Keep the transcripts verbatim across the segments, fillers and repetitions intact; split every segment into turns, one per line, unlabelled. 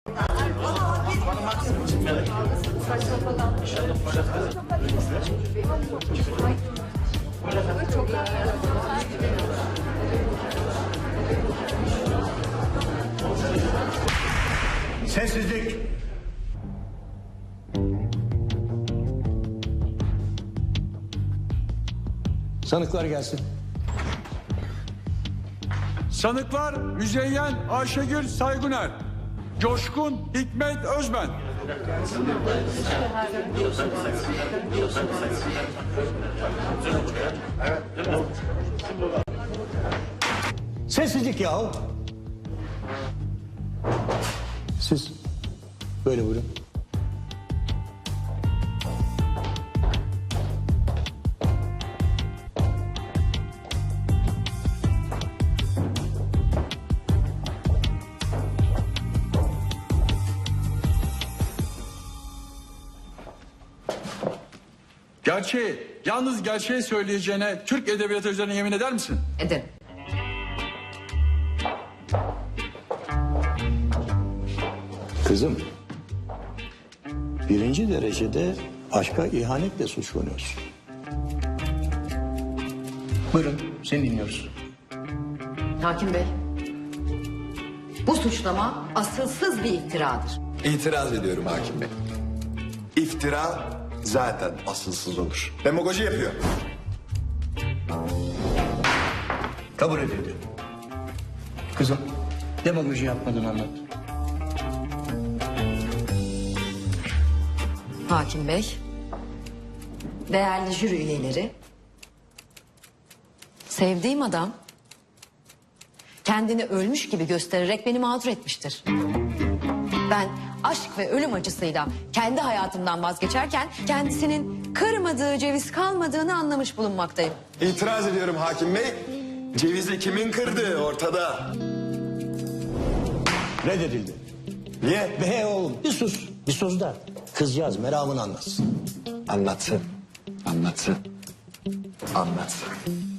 Sessizlik. Sanıklar gelsin.
Sanıklar Müzeyyen Ayşegül Sayguner, Coşkun Hikmet Özben.
Sessizlik yahu. Siz böyle buyurun.
Gerçeği, yalnız gerçeği söyleyeceğine Türk edebiyatı üzerine yemin eder misin?
Ederim.
Kızım, birinci derecede aşka ihanetle suçlanıyorsun. Buyurun, seni dinliyoruz.
Hakim Bey, bu suçlama asılsız bir iftiradır.
İtiraz ediyorum hakim bey. İftira zaten asılsız olur. Demagoji yapıyor.
Kabul edildi. Kızım, demagoji yapmadın anlat.
Hakim Bey, değerli jüri üyeleri, sevdiğim adam kendini ölmüş gibi göstererek beni mağdur etmiştir. Ben aşk ve ölüm acısıyla kendi hayatımdan vazgeçerken kendisinin kırmadığı ceviz kalmadığını anlamış bulunmaktayım.
İtiraz ediyorum hakim bey. Cevizi kimin kırdığı ortada.
Reddedildi.
Niye?
Be oğlum, bir sus. Bir sus da kızcağız meramını anlatsın.
Anlatsın. Anlatsın. Anlatsın.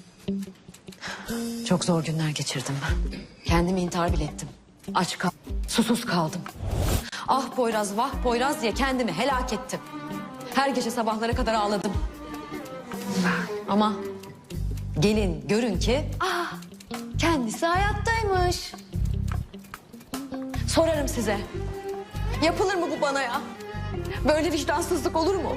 Çok zor günler geçirdim ben. Kendimi intihar bile ettim. Aç kaldım, susuz kaldım. Ah Poyraz, vah Poyraz diye kendimi helak ettim. Her gece sabahlara kadar ağladım. Ama gelin görün ki ah kendisi hayattaymış. Sorarım size. Yapılır mı bu bana ya? Böyle vicdansızlık olur mu?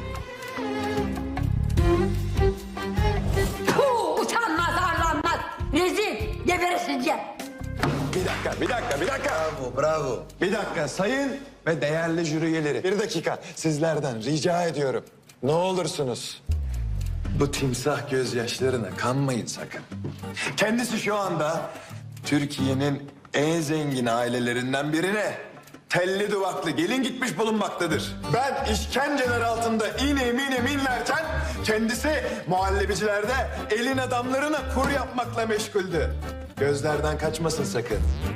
Puh, utanmaz arlanmaz. Rezil geberesince.
Bir dakika, bir dakika, bir dakika. Bravo, bravo. Bir dakika sayın ve değerli jüri üyeleri. Bir dakika sizlerden rica ediyorum. Ne olursunuz bu timsah gözyaşlarına kanmayın sakın. Kendisi şu anda Türkiye'nin en zengin ailelerinden birine telli duvaklı gelin gitmiş bulunmaktadır. Ben işkenceler altında iğne mine minlerken kendisi muhallebicilerde elin adamlarına kur yapmakla meşguldü. Gözlerden kaçmasın sakın.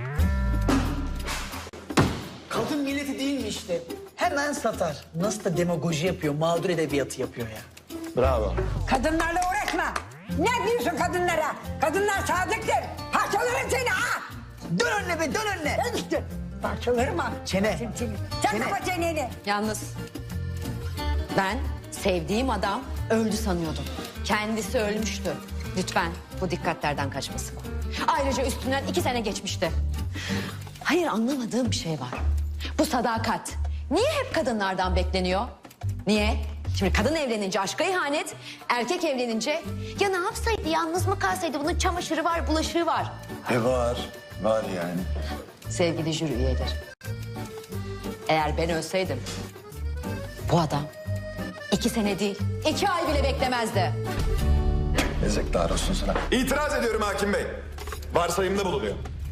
Kadın milleti değil mi işte? Hemen satar. Nasıl da demagoji yapıyor, mağdur edebiyatı yapıyor ya.
Bravo.
Kadınlarla uğraşma. Ne diyorsun kadınlara? Kadınlar sadıktır. Parçalarım seni ha.
Dön önüne be, dön önüne.
Ben işte parçalarım ha.
Çene.
Sen, seni. Sen
Çene.
kapa çeneni.
Yalnız ben sevdiğim adam öldü sanıyordum. Kendisi ölmüştü. Lütfen bu dikkatlerden kaçmasın. Ayrıca üstünden iki sene geçmişti. Hayır, anlamadığım bir şey var. Bu sadakat niye hep kadınlardan bekleniyor? Niye? Şimdi kadın evlenince aşka ihanet, erkek evlenince ya ne yapsaydı, yalnız mı kalsaydı, bunun çamaşırı var, bulaşığı var.
E var, var yani.
Sevgili jüri üyeleri, eğer ben ölseydim bu adam iki sene değil iki ay bile beklemezdi.
Ezekler olsun sana. İtiraz ediyorum hakim bey. Varsayımda bulunuyor.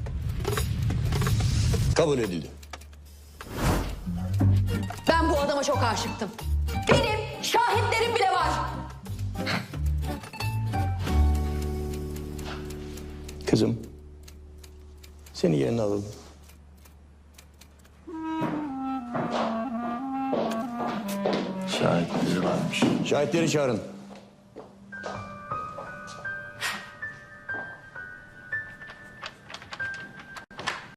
Kabul edildi.
Ben bu adama çok aşıktım. Benim şahitlerim bile var.
Kızım, seni yerine alalım.
Şahitleri varmış.
Şahitleri çağırın.